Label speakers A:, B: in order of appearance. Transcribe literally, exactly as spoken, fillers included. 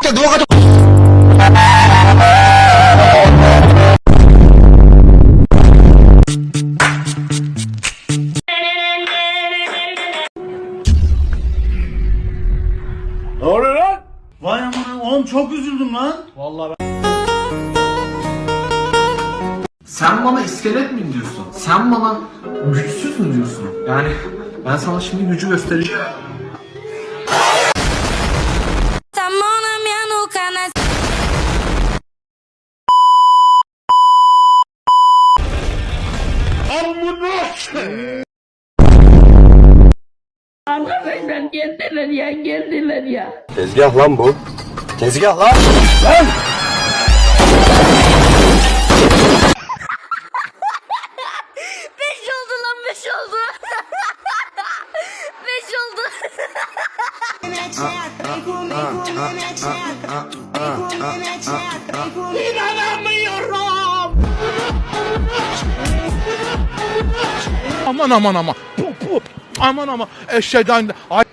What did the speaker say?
A: Ne oluyor lan? Vay aman oğlum çok üzüldüm lan. Vallahi ben...
B: Sen bana iskelet mi diyorsun? Sen bana güçsüz mü diyorsun? Yani ben sana şimdi gücü göstereceğim.
C: Arkadaşlar geldiler ya, geldiler ya.
D: Tezgah lan bu. Tezgah lan. Lan!
C: Beş oldu lan, beş oldu. Beş oldu. İnanamıyorum.
E: Aman aman aman. Puh, puh. Aman aman. Eşeğden. Ay.